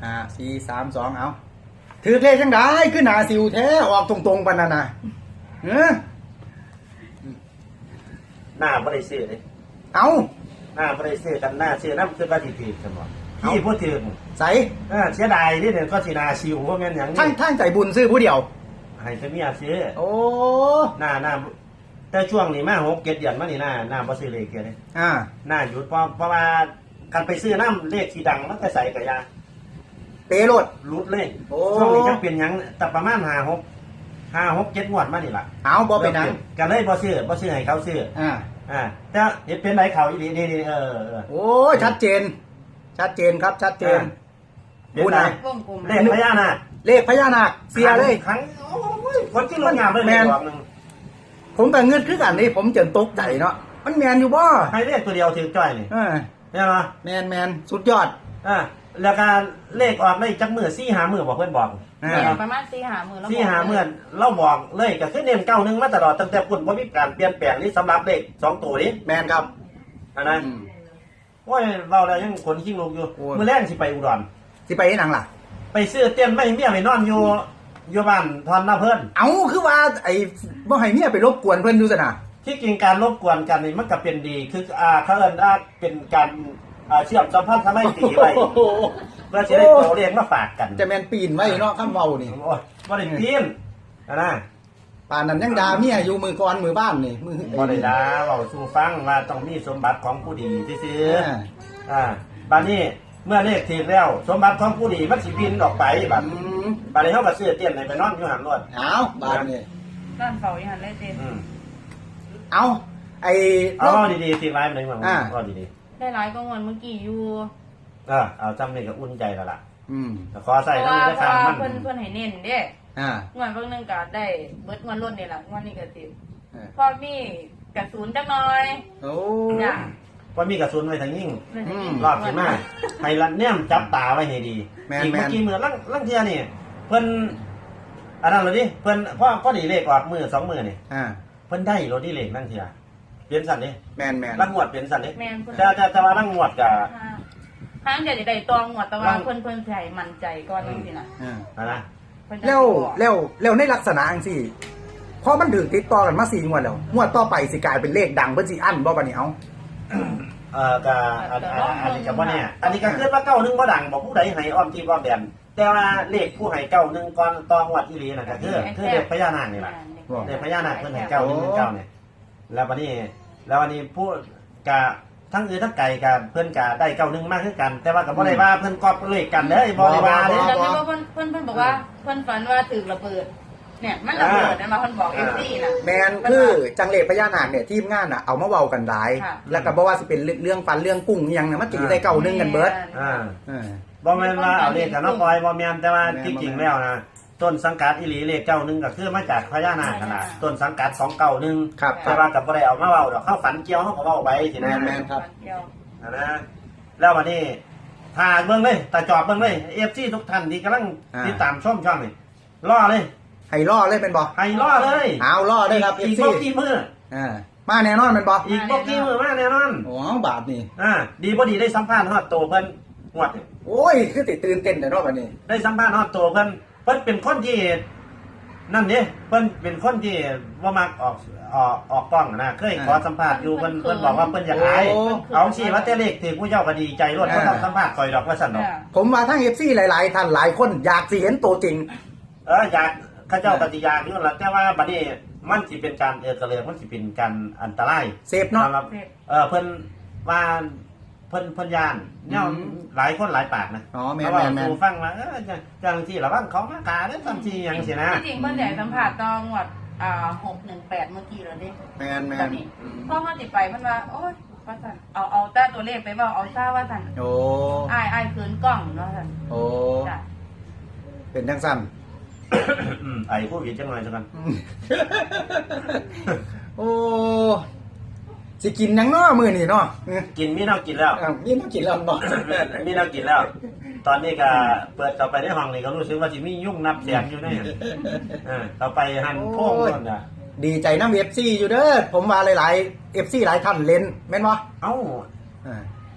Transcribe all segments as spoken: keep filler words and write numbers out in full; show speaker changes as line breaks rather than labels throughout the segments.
ห้าสี่สามสองเอาถือเลขจังได้ขึ้นหนาสิวแท้ออกตรงๆปานนั้นน่ะเออ
หน้าบ่ได้ซื้อเลย
เอา
หน้าบ่ได้ซื้อกันหน้าซื้อน้ำคือว่าสิถือกันบ่พี่พูดถึง
ใส่
เออเสียดายที่เนี่ยก็สินาชิวว่าแม่นหยัง
ท่านท่านใจบุญซื้อผู้เดียว
ให้จะมีอาซื้อ
โอ้
หน้าหน้าแต่ช่วงนี้มาหกเจ็ดเดือนมานี่หน้าหน้าบ่ซื้อเลขเกียเลย
อ่า
หน้าหยุดเพราะเพราะว่าการไปซื้อน้ำเลขที่ดังมันก็ใส่กับยา
เปโรด
รุดเลย
โอ้
ช่วงนี้จะเป็นหยังแต่ประมาณห้าหกห้าหกเจ็ดงวดมานี่ล่ะ
เอาบ่เป็นหนัง
ก็เลยบ่ซื้อบ่ซื้อให้เขาซื้อ
อ่า
อ่าแต่เห็นเป็นไรเขาอีนี่นี่เออเออ
โอ้ชัดเจน ชัดเจนครับชัดเจน
เห็นไหม
วงกลม
เลขพญานาค
เลขพญานาคเสียเลย
ครั้งโอ้ยคนที่ลงงามเลย
แม่น
ดอกหนึง
ผมแต่เงืดคือกันนี่ผมเจนตกใจเนาะมันแมนอยู่บ่
ให้เลขตัวเดียวถือจ้อยนี่
เออ
ใช่ไหม
แมนแมนสุดยอด
อ่าแล้วก็เลขออกได้จักมือซี่หามือบอกเพื่อนบอก
อ่า
เนี่ยประมาณสี่หาหมื่นแล้ว
ซี่หามือเราบอกเลยก็คือเน้นเก้าหนึ่งมาตลอดตั้งแต่ปุ่นว่ามีการเปลี่ยนแปลงนี่สำหรับเลขสองตัวนี้
แมนครับ
อันนั้น
อืม
ว่าเราแล้วยังขนขิ้งลงอยู่
โอ้ย
มือแรกสิไปอุดร
สิไปที่หนังล่ะ
ไปซื้อเตี้ยนไม่เมียไปนอนอยู่อยู่บ้านทอนหน้าเพื่อน
เอาคือว่าไอ้บ่ให้เมียไปรบกวนเพิ่นดูซะนะ
ที่จริงการรบกวนกันนี่มันก็เป็นดีคืออ่าเขาเอิ้นว่าเป็นการอ่าเชื่อมสัมพันธ์ทำให้ตีไว้
โอ้โห
เพื่อจะได้ตัวเลขมาฝากกัน
จะแมนปีนไว้เนาะคำเว้านี่
โอ้ยบ่ได้ปีนอะนะ
ป่านนั้นยังด่าเมียอยู่มือก่อนมือบ้านนี่มือ
บ่ได้ด่าเว้าสู่ฟังว่าต้องมีสมบัติของผู้ดีซื่อ
อ่า
ๆอ่าบัดนี้เมื่อเลขถูกแล้ว สมบัติของผู้ดีมันสิบินออกไปบัด
อืม
บัดนี้เฮาก็ซื้อเตี้ยนให้ไปนอนอยู่หันรถ
เอาบาดนี่
ด้านเฝ้าอีหันเลยเจ
อืม
เอาไอ้
เอาเว้าดีๆสิไว้มันมา
อ่า
เว้าดี
ได้หลายก็งอนเมื่อกี้อยู่
ๆเออเอาจำนี่ก็อุ่นใจแล้วล่ะ
อืม
แต่ขอ
เพ
ใส่
ราะ
น้ำ
ว่า
ได้
เพราะ
ทาง
ว่า
มัน
เพิ่นเพิ่นให้เน้นเด้
อ่า
งอนเพิ่งนึงก็ได้เบิดงอนล้นนี่แหละงอนนี่ก็สิ
เออ
พอมีกระสุนจักหน่อย
โอ้
จ้ะ
ว่ามีกระสุนไว้ทางยิ่ง
เลยให้
อื
เน้
ม
น
รอบสิมาให้ละเนี่ยมจับตาไว้ให้ดี
แม่น
อีก
แม่
เมื่อน กี้มือลังลังเทียนี่ เพิ่นอันนั้นเลยดิเพิ่นพ่อพ่อดีเลขออกมือสองมือนี่
อ่า
เพิ่นได้รถดีเลขนั่งเทียเปลี่ยนสันดิ
แมนแมน
ลังงวดเปลี่ยนสันดิ
แม่นเพิ่น
จะจะจะว่าลังงวดกับ
ทางเดี๋ยวจะได้ตองหมดแต่ว่าเพิ่นเพิ่นสิให้มั่นใจก่อนจังซี่น่ะ
อ่า
อะนะ
เพิ่นจะ
แล้ว
บอก
แล้วแล้วในลักษณะจังซี่พอมันถึงติดต่อกันมาสี่งวดแล้วงวดต่อไปสิกลายเป็นเลขดังเพิ่นสิอั้นบ่บัดนี้เอา
เอ่อกับอันอันอันนี้กับว่าเนี่ยอันนี้ก็คือว่าเก้าหนึ่งบ่ดังบอกผู้ใดให้อ้อมที่อ้อมแดนแต่ว่าเลขผู้ให้เก้าหนึ่งก่อนตองวัดอีหลีน่ะก็คือคือเลขพญานาคนี่แหละ เนี่ยพญานาคเพิ่นให้เก้าหนึ่งหนึ่งเก้าเนี่ย แล้ววันนี้ แล้ววันนี้ผู้กะทั้งอื่นทั้งไก่กับเพิ่นกะได้เก้าหนึ่งมากขึ้นกัน แต่ว่ากับบ่ได้ว่าเพิ่นกอบเลขกันเด้อบ่ได้ว่า
เดี๋
เด้
ยว
อ
จำได้ว่าเพิ่นเพิ่นเพิ่นบอกว่าเพิ่นฝันว่าถูกระเบิด เนี่ยมันระเบิดนะมาเพิ่นบอก
อ่า
เอฟซีน่ะ
แมนคือจังเลขพญานาคเนี่ยทีมงานน่ะเอามาเว้ากันหลาย
ค่ะ
แล้วก็บ่ว่าสิเป็นเรื่องฟันเรื่องกุ้งอิหยังน่ะมันสิได้เก่าหนึงกันเบิด
อ่า
เออ
บ่แม่นว่าเอาเลขกันเนาะปล่อยบ่แม่นแต่ว่า
แม่น
ที่จริงแล้วนะต้นสังกัดอีหลีเลขเก้าหนึ่งก็คือมาจากพญานาคขนาดต้นสังกัดของเก้าหนึ่ง
ครับ
แต่ว่ากับบ่ได้เอามาเว้าดอกเข้าฝันเกี่ยวเฮาก็เว้าไปสินะ
แม่น ครับ
เดียว
อ่านะแล้ววันนี้ถ่ายเบิ่งเลยตาจอบเบิ่งเลย เอฟ ซี ทุกท่านที่กำลัง
อ่า
ติดตามชมช่องนี่รอเลย
ให้ล่อเลยเป็นบ่
ให้รอเลย
เอาล่อได้ครับ
อีก
เอฟซี
บ่กี่มื้อ
อ่ามาแน่นอนเป็นบ่
อีกบ่กี่มื้อมาแน่นอน
โอ้บาทนี่
อ่าดีบ่ดีได้สัมภาษณ์ฮอดโตเพิ่นงวดนี่
โอ้ยคือติตื่นเต้นแต่เนาะบัดนี้
ได้สัมภาษณ์ฮอดโตเพิ่นเพิ่นเป็นคนที่นั่นเด้เพิ่นเป็นคนที่บ่มักออกออกออกกล้องนะเคยขอสัมภาษณ์อยู่เพิ่นเพิ่นบอกว่าเพิ่นอยากอาย
โอ้
เอาสิว่าแต่เลขถือผู้เจ้าก็ดีใจรวดบ่ต้องสัมภาษณ์ข่อยดอกว่าซั่นดอก
เนี่ย
ผมว่าทั้ง เอฟ ซี หลายๆท่านหลายคนอยากสิเห็นตัวจริง
เอออยากเข้าเจ้าปฏิญาณอยู่นั่นล่ะแต่ว่าบัดนี้มันสิเป็นการเออกระเลือกมันสิเป็นการอันตราย
เสพเนาะ
สำหรับเออเพิ่นว่าเพิ่นเพิ่นยานเนี่ย
อืม
หลายคนหลายปากนะ
อ๋อแม่น
เขาบอก
แม่น
ครูฟังว่าเออจังจังที่ระวังเขามาขาเด้อจังที่หยังสินะ
ที่จริงเพิ่นได้สัมผัสตองหมดอ่าหกหนึ่งแปดเมื่อกี้แล้วเด้
แมนแม
ตอน นนี้พ่อเขาติดไปเพิ่นว่าโอ๊ยว่าสั่นเอาเอาแต่ตัวเลขไปเว่าเอาซ่าว่าสั่น
โอ้
อ้ายอ้ายคืนกล้องเนาะสั่น
โอ้
จ้ะ
เป็นจังสั้น
อืมไอ้ผู้ผิดจังหน่อยจังกัน
โอ้สิกินหยังเนาะมื้อนี้เนาะเออ
กินมีแนวกินแล้ว
อ้าวนี่ต้องกินแล้วเนาะ
มีแนวกินแล้ว ตอนนี้ก็เปิดต่อไปในห้องนี่ก็รู้สึกว่าสิมียุ่งนับแสนอยู่แน่เออต่อไปหันโพ่งนั่นน่ะ
ดีใจน้ำ เอฟ ซี อยู่เด้อผมว่าหลายๆ เอฟ ซี หลายท่านเล่นแม่นบ่
เอ้า
อ่า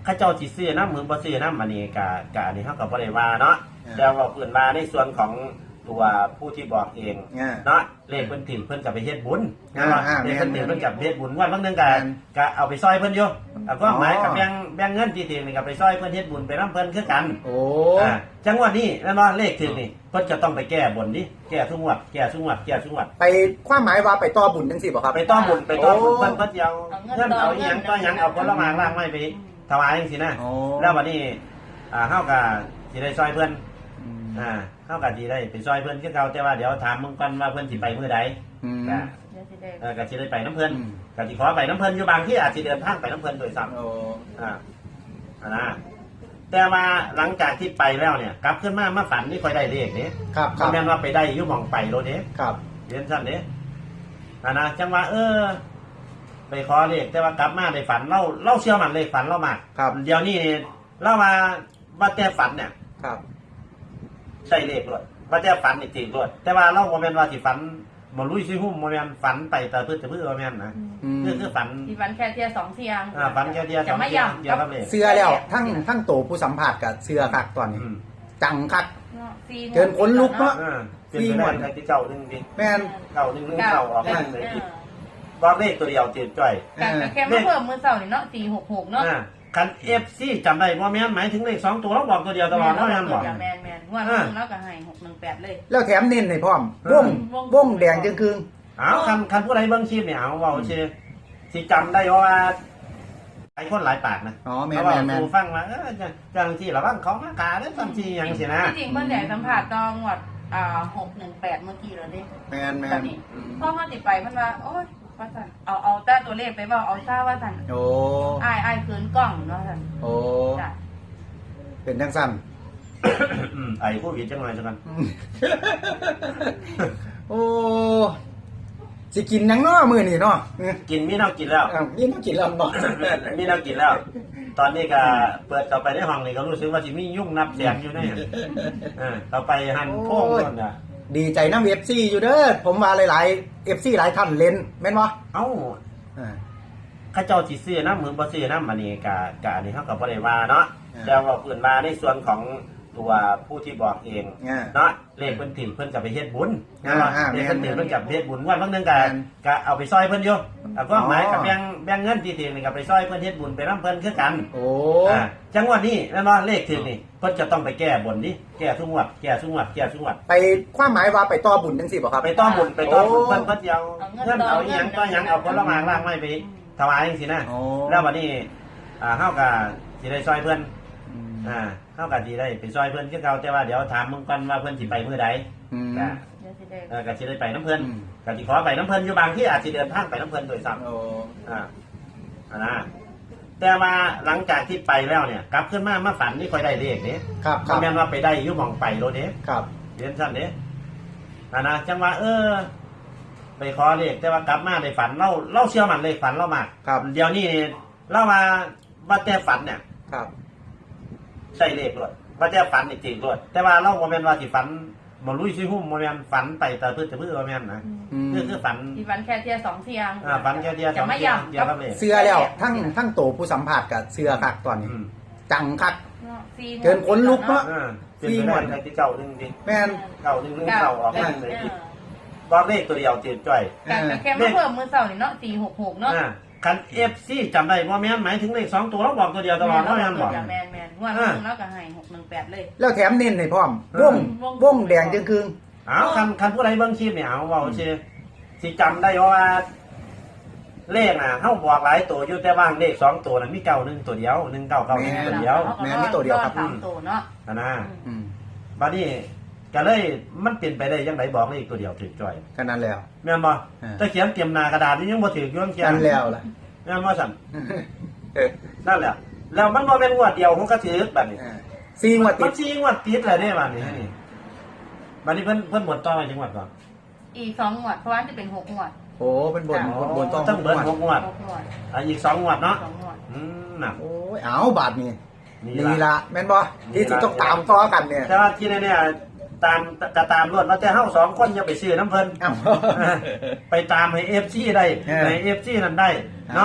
ข้าเจ้าสิซื้อน้ำเหมือนบ่ซื้อน้ำอันนี้กะกะอันนี้เฮาก็บ่ได้ว่าเนาะแต่ว่าเพิ่นว่าในส่วนของตัวผู้ที่บอกเองเนาะเลขเพิ่นถิ่นเพิ่นก็ไปเฮ็ดบุญเนาะเลขเพิ่นถิ่นเพิ่นก็เฮ็ดบุญวันบางนึงก็ก็เอาไปซอยเพิ่นอยู่เอาก็หมายกับแบ่งแบ่งเงินที่ถิ่นนี่ก็ไปซอยเพิ่นเฮ็ดบุญไปนํเพิ่นคือกัน
โอ้
อ่าจังหวะนี้แม่นบ่เลขถึงนี่เพิ่นจะต้องไปแก้บนดิแก้ทุกงวดแก้ทุกงวดแก้ทุกงวด
ไปความหมายว่าไปต่อบุญจังซี่บ่ครับ
ไปต่อบุญไปต่อบุญเพิ่นเพิ่นเอาเงินเอาอีหยังก็หยังเอาผลไม้ล่างไม้ไปถวายจังซี่นะแล้ววันนี้อ่าเฮาก็สิได้ซอยเพิ่นอ่าเฮาก็สิได้ไปซอยเพิ่นคือเก่าแต่ว่าเดี๋ยวถามมึงก่อนว่าเพิ่นสิไปมื้อใดก็เออก็สิได้ไปน้ำเพิ่นก็สิขอไปน้ำเพิ่นอยู่บางที่อาจสิเดินทางไปน้ำเพิ่นโดยซ้ำอ่าอ่านะแต่ว่าหลังจากที่ไปแล้วเนี่ยกลับขึ้นมามาฝันนี่ค่อยได้เลขเด้
ครับครับ
แม่นว่าไปได้อยู่หม่องไปโลดเด้
ครับ
เรียนซั่นเด้อ่านะจังว่าเออไปขอเลขแต่ว่ากลับมาได้ฝันเราเราเชื่อมั่นเลขฝันเรามากเดี๋ยวนี้เรามาว่าแต่ฝันเนี่ย
ครับ
ใช่เลขด้วยว่าแต่ฝันนี่จริงด้วยแต่ว่าเราบ่แม่นว่าสิฝันบ่ลุยสิหุ้มบ่แม่นฝันไปแต่พื้นแต่พื้นบ่แม่นนะคือคือฝัน
ที่ฝันแค่เที่ยสองเที่ยง
อ่าฝันแค่เที่ยสองเที่ยงเดียวกับเลข
เสื้อแล้วทั้งทั้งโตผู้สัมผัสกับเสื้อคักตอนนี้จังคักเกินคนลุกเนาะ
สี่หมดที่เจ้านึงดิ
แม่น
เจ้านึงนึงเจ้าออกมาเลยดิบอกเลขตัวเดียวเจ็บจ้อย
แค่มาเพิ่มมื้อเช้านี่เนาะสี่หกหกเนาะ
คัน เอฟ ซี จำได้บ่แม่นหมายถึงเลขสองตัวเราบอกตัวเดียวตลอดเนาะแม่นบ่
แม่นแม่นงวดนึงแล้วก็ให้หกหนึ่งแปดเลย
แล้วแถมเน้นให้พร้อมวงวงแดงจึงคืน
เอาคันคันผู้ใดเบิ่งคลิปเนี่ยเอาเว้าซื่อสิจำได้ว่าหลายคนหลายปากนะ
อ๋อแม่นๆๆ
ผู้ฟังว่าเออจังซี่ระวังเขามากาเด้อจังซี่หยังสินะ
จริงเพิ่นได้สัมภาษณ์ตอนงวดอ่าหกหนึ่งแปดเมื่อกี้แล้วเด้
แม่น
ๆพอเฮาสิไปเพิ่นว่าโอ๊ยว่าซั่นเอาเอาแต่ตัวเลขไปเว้าเอาซ่าว่าซั่น
โอ้
อ้ายๆคืนกล้องเนาะซั่น
โอ้จ้ะเป็นจังซั่น
ไอ้ผู้ผิดจังหน่อยจังกัน
โอ้สิกินหยังเนาะมื้อนี้เนาะ
กินมีน้ำกินแล้ว
มีน้ำกินแล้วเนาะ
มีน้ำกินแล้วตอนนี้ก็เปิดต่อไปในห้องนี่ก็รู้สึกว่าสิมียุ่งนับแสนอยู่แน่เออต่อไปหันโค้งนั่นน่ะ
ดีใจน้ำ เอฟ ซี อยู่เด้อผมว่าหลายๆ เอฟ ซี หลายท่านเล่นแม่นบ่
เอ้าข้าเจ้าสิซื้อน้ำเหมือนบ่ซื้อน้ำอันนี้กะกะอันนี้เฮาก็บ่ได้ว่าเนาะแต่ว่าเพิ่นมาในส่วนของตัวผู้ที่บอกเองเนาะเลขเพิ่นถิ่นเพิ่นก็ไปเฮ็ดบุญเนาะเลขเพิ่นถิ่นเพิ่นก็เฮ็ดบุญวันบางนึงก็ก็เอาไปซอยเพิ่นอยู่เอาก็หมายกับแบ่งแบ่งเงินที่ถิ่นนี่ก็ไปซอยเพิ่นเฮ็ดบุญไปนํเพิ่นคือกัน
โอ้
อ่าจังหวะนี้แม่นบ่เลขถึงนี่เพิ่นจะต้องไปแก้บนดิแก้ทุกงวดแก้ทุกงวดแก้ทุกงวด
ไปความหมายว่าไปต่อบุญจังซี่บ่ครับ
ไปต่อบุญไปต่อบุญเพิ่นเพิ่นเอาเงินเอาอีหยังก็หยังเอาผลไม้ล่างไม้ไปถวายจังซี่นะแล้ววันนี้อ่าเฮาก็สิได้ซอยเพิ่นอ่าเฮาก็สิได้ไปซอยเพิ่นคือเก่าแต่ว่าเดี๋ยวถามมึงก่อนว่าเพิ่นสิไปมื้อใด
ก็
เออก็สิได้ไปน้ำเพิ่นก็สิขอไปน้ำเพิ่นอยู่บางที่อาจสิเดินทางไปน้ำเพิ่นโดยซ้ำ
โอ้
อ่าอ่านะแต่ว่าหลังจากที่ไปแล้วเนี่ยกลับขึ้นมามาฝันนี่ค่อยได้เลขเด้
ครับครับ
แม่นว่าไปได้อยู่หม่องไปโลดเด้
ครับ
เรียนซั่นเด้อ่านะจังว่าเออไปขอเลขแต่ว่ากลับมาได้ฝันเราเราเชื่อมั่นเลขฝันเรามากเดี๋ยวนี้เรามาว่าแต่ฝันเนี่ย
ครับ
ใช่เลขด้วยว่าแต่ฝันจริงๆด้วยแต่ว่าเราบ่แม่นว่าสิฝันบ่ลุยสิหุ้มบ่แม่นฝันไปแต่พื้นแต่พื้นบ่แม่นนะคือคือฝัน
ที่ฝันแค่เที่ยสองเที่ยง
อ่าฝันแค่เที่ยสองเที่ยงเดียวกับเลข
เสื้อแล้วทั้งทั้งโตผู้สัมผัสกับเสื้อคักตอนนี้จังคักเกินคนลุกเนาะ
สี่หมดที่เจ้านึงดิ
แม่น
เจ้านึงนึงเจ้าออกมาเลยดิบอกเลขตัวเดียวเจ็บจ้อย
แค่มาเพิ่มมื้อเช้านี่เนาะสี่หกหกเนาะ
คัน เอฟ ซี จำได้บ่แม่นหมายถึงเลขสองตัวเราบอกตัวเดียวตลอดเนาะแม่นบ่
แม่นๆงวดนึงแล้วก็ให้หกหนึ่งแปดเลย
แล้วแถมเน้นให้พร้อมวงวงแดงจึงคืน
เอาคันคันผู้ใดเบิ่งคลิปเนี่ยเอาเว้าซื่อสิจำได้ว่าเลขน่ะเฮาบอกหลายตัวอยู่แต่ว่าเลขสองตัวนั้นมีเก้าหนึ่งตัวเดียวหนึ่งเก้าเก้าหนึ่งตัวเดียว
แม่นมีตัวเดียวครับ
สามตัวเนาะ
อันน่ะอืมบัดนี้ก็เลยมันเป็นไปได้จังไดบอกเลขตัวเดียวถูกจ้อย
ก็นั้นแล้ว
แม่นบ่ถ้าเขียนเตรียมหน้ากระดาษนี่ยังบ่ถูกอยู่เขียน
นั่นแล้วล่ะ
แม่นบ่สั่นนั่นแหละแล้วมันบ่แม่นงวดเดียวของก็ถูกบัดนี้
สี่งวดติด
มันสี่งวดติดแล้วเด้บัดนี้นี่บัดนี้เพิ่นเพิ่นบ่ต่อไปจังหวัดก่อน
อีกสองงวดเพราะว่าจะเป็นหกงวด
โอ้เป็นบ่นบ่น
ต้องเบิ่งหกงวดอ่ะอีกสองงวดเนาะอืมน่ะ
โอ้ยเอาบาดนี้นี่ล่ะแม่นบ่ที่สิต้องตามต่อกันเนี่ย
แต่ว่าที่เนี่ยตามจะตามรวดว่าแต่เฮาสองคนอย่าไปซื้อน้ำเพิ่นไปตามให้ เอฟ ซี ได้ให้ เอฟ ซี นั่นได้เนาะ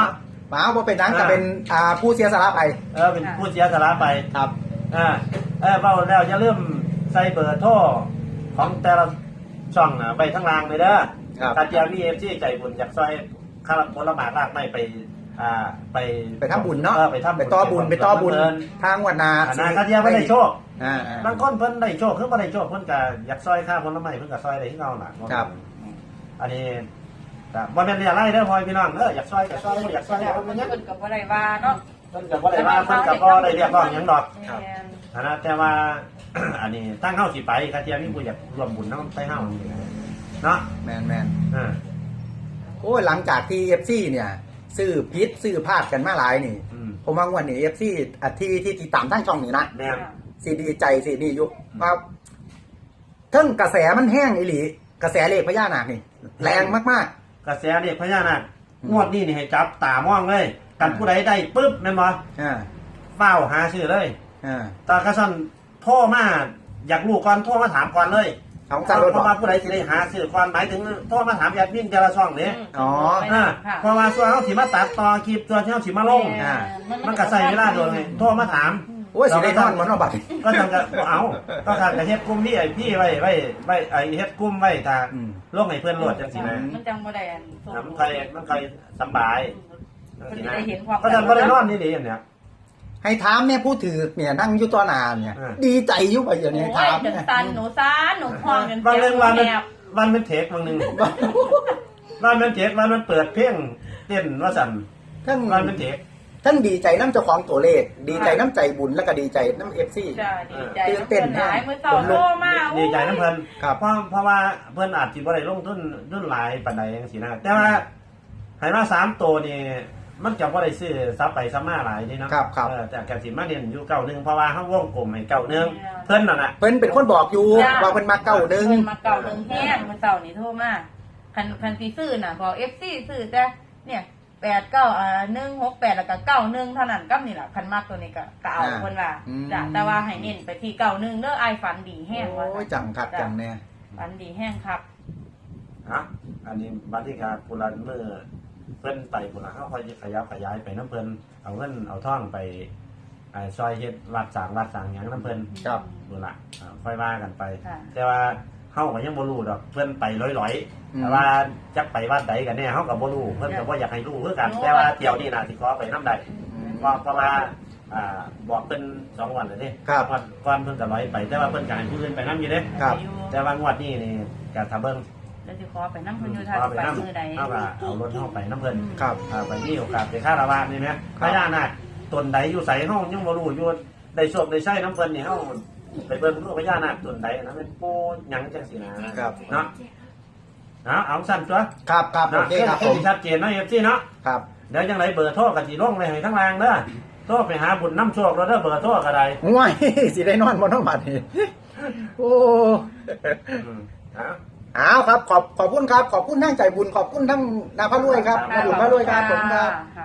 หมาบ่เป็นหนังก็เป็นอ่าผู้เสียสละไป
เออเป็นผู้เสียสละไป
ครับ
อ่าเออเบาแล้วอย่าลืมใส่เบอร์โทรของแต่ละช่องนะไปทั้งรางเลยเด้อ
ครับ
ถ้าเจ้าพี่เอฟซีใจบุญอยากซอยข้าวผลไม้รากไม่ไปอ่าไป
ไปทำบุญเนาะ
ออไปทำ
ไปต่อบุญไปต่อบุญทางวันนา
อันนั้นเขาเทียบไม่ได้โชค
อ่า
บางคนเพิ่นได้โชคเพิ่นบ่ได้โชคเพิ่นก็อยากซอยค่าผลไม้เพิ่นก็ซอยได้ที่เราน่ะ
ครับ
อันนี้แต่บ่แม่นเรียกไรเด้อพ่อพี่น้องเด้ออยากซอยก็ซอยบ่อยากซอย
แล้ว
ก็
มั
บ่
น
ยัง
เพิ่นก็บ่ได้ว่าเนาะ
เพิ่นก็บ่ได้ว่าเพิ่นก็บ่ได้เรียกร้องหยังดอก
แม่น
อันนั้นแต่ว่า อันนี้ตั้งเฮาสิไปก็เทียมมีผู้อยากร่วมบุญนำไปเฮาเนาะ
แมนแมน
อ่า
โอ้ยหลังจากที่ เอฟ ซี เนี่ยซื้อพิษซื้อพลาดกันมาหลายนี่
อืม
ผมว่างวันนี้ เอฟ ซี อาที่ที่ที่ตามทั้งช่องนี่นะ
แม่น
สีดีใจสีดีอยู่ว่าเทั้งกระแสมันแห้งอีหลีกระแสเลขพญานาคนี่ แรงมาก
กระแสเด็กพญานาคงวดนี้นี่ให้จับตามองเลยกันผู้ใดได้ปึ๊บแม่นบ่
ๆอ่า
เฝ้าหาชื่อเลย
อ่า
ตากระสันโทรมาอยากรู้ก่อนโทรมาถามก่อนเลย
ของจารถ
เพราะว่าผู้ใดสิได้หาชื่อก่อนหมายถึงโทรมาถามอยากวิ่งแต่ละช่องนี่
อ๋อ
อ่าเพราะว่าส่วนเฮาสิมาตัดต่อคลิปส่วนที่เฮาสิมาลง
อ่า
มันก็ใช้เวลาโดนไงโทรมาถาม
โอ้ยสิได้นอนมันเนาะบัด
ก็จังก็บ่เอาก็ทางกระเฮ็ดกลุ่มนี่ไอ้พี่ไว้ไว้ไว้ไอ้เฮ็ดกลุ่มไว้ทาง
อืม
ลงให้เพื่อนโหลดจังซี่นะ
มันจังบ่ได้อันส่ง
มันใครมันใครสำบาย
เพิ่นได้เห็นความ
ก็จังบ่ได้นอนนี่ดีอันเนี้ย
ให้ถามเนี่ยผู้ถือเนี่ยนั่งอยู่ต่อหน้าเนี่ย
อ่า
ดีใจอยู่ไปอย่างนี้
โอ้
ถาย ม
จน
เนี่ย
ตันหนูซ่านหนูพองจน
บางเรื่องวันมัน
แอบ
วันมันเทคบางหนึงวันมันเทควันมันเปิดเพลงเต้นว่าสั่น
ทั้ง
วันมันเทค
ทั้งดีใจน้ำเจ้าของตัวเลข ดีใจน้ำใจบุญแล้วก็ดีใจน้ำเอฟซี
จ้าดีใจ
ตื่นเต้น
หลายมื้อเช้าโทรมา
ดีใจน้ำเพิ่น
ครับ
เพราะเพราะว่าเพิ่นอาจสิบ่ได้ลงทุนทุนหลายปานใดจังซี่นะแต่ว่าให้มาสามตัวนี่มันจะบ่ได้ซื้อซับไปซับมาหลายนี่เนาะ
ครับครับ
เออแต่ก็สิมาเน้นอยู่เก้าหนึงเพราะว่าเฮาวงกลมให้เก้าหนึงเพิ่นนั่นน่ะ
เพิ่นเป็นคนบอกอยู่ว่าเพิ่นมาเก้าหนึ่ง
เพิ่นมาเก่าหนึ่งแห้งมื้อเช้านี่โทรมาคันคันสิซื้อน่ะบอก เอฟ ซี ซื้อแต่เนี่ยแปดเก้าอ่าหนึ่งหกแปดแล้วก็เก้าหนึ่งเท่านั้นกับนี่ล่ะคันมากตัวนี้ก็ก็เอาเพิ่นว่าจ้ะแต่ว่าให้เน้นไปที่เก้าหนึ่งเด้ออ้ายฝันดีแห้งว่า
โอ้ยจังคักจังเนี่ย
ฝันดีแห้งครับ
ฮะอันนี้บัดนี้ก็ปุรันมื้อเพิ่นไปพุ่นล่ะเฮาค่อยสิขยับขยายไปนํเพิ่นเอาเงินเอาทองไปอ่าซอยเฮ็ดวัดสร้างวัดสร้างหยังนํเพิ่น
ครับ
พุ่นล่ะอ่าค่อยว่ากันไป
ค่ะ
แต่ว่าเฮาก็ยังบ่รู้ดอกเพิ่นไปลอย
อืม
ๆแต่ว่าจักไปวัดใดกันแน่เฮาก็บ่รู้เพิ่นก็บ่อยากให้รู้คือกัน
รู้
แต่ว่าเที่ยวนี้น่ะสิขอไปนำได้เพราะเพราะว่าอ่าบอกเพิ่นสองวันแล้วนี่
ครับ
วันก่อนเพิ่นก็ลอยไป แต่ว่าเพิ่นก็ให้ผู้อื่นไปนำอยู่เด้
ครับ
อยู่
แต่ว่างวดนี้นี่ก็ถ้าเบิ่ง
แล้วสิขอไปนำเพิ่นอยู่ทา
เอา
ง
ไป
ไป
นำ
มือใด
เฮาก็เอารถเฮาไปนำเพิ่น
ครับ
อ่าไปมีโอกาสไปคาราวานนี่แหมพญานาคตนใดอยู่ไสเฮายังบ่รู้อยู่ได้โชคได้ใช้นำเพิ่นนี่เฮาไปเบิ่งดูพญานาคตนใดนะเป็นปู่หยังจังซี่นะครับ เนาะเอาเอาสั้นตัว
ครับครับโอเคครับผม
ที่ชัดเจนนะเอฟซีเนาะ
ครับ
เดี๋ยวยังไรเบอร์โทรกันสีลงเลยให้ทั้งรางเด้อโทรไปหาบุญน้ำโชคเราเด้อเบอร์โทรก็ได้
ง่วย สิได้นอนบนน้องบัดนี่โอ้
อืมเอา
เอาครับ ขอบขอบคุณครับ ขอบคุณทั้งใจบุญขอบคุณทั้งนาพระรวยครับนาบุญพระรวยครับผมครับ
ะ